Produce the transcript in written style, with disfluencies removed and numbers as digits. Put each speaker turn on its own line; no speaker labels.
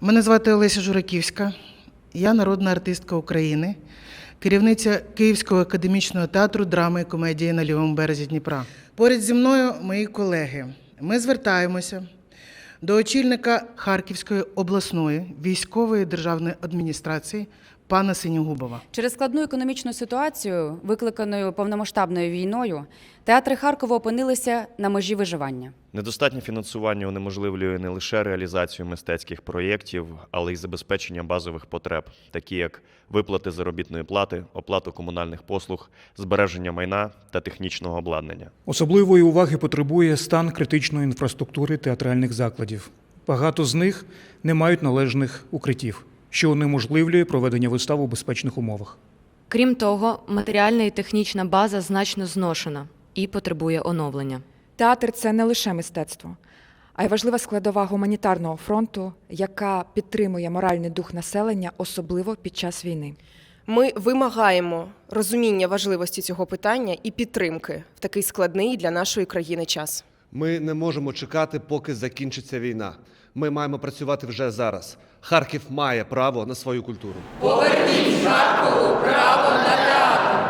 Мене звати Олеся Жураківська, я народна артистка України, керівниця Київського академічного театру драми і комедії на лівому березі Дніпра. Поряд зі мною мої колеги. Ми звертаємося до очільника Харківської обласної військової державної адміністрації пана Синьогубова.
Через складну економічну ситуацію, викликаною повномасштабною війною, театри Харкова опинилися на межі виживання.
Недостатнє фінансування унеможливлює не лише реалізацію мистецьких проєктів, але й забезпечення базових потреб, такі як виплати заробітної плати, оплату комунальних послуг, збереження майна та технічного обладнання.
Особливої уваги потребує стан критичної інфраструктури театральних закладів. Багато з них не мають належних укриттів, що унеможливлює проведення вистав у безпечних умовах.
Крім того, матеріальна і технічна база значно зношена і потребує оновлення.
Театр – це не лише мистецтво, а й важлива складова гуманітарного фронту, яка підтримує моральний дух населення, особливо під час війни.
Ми вимагаємо розуміння важливості цього питання і підтримки в такий складний для нашої країни час.
Ми не можемо чекати, поки закінчиться війна. Ми маємо працювати вже зараз. Харків має право на свою культуру.
Поверніть Харкову право на театр!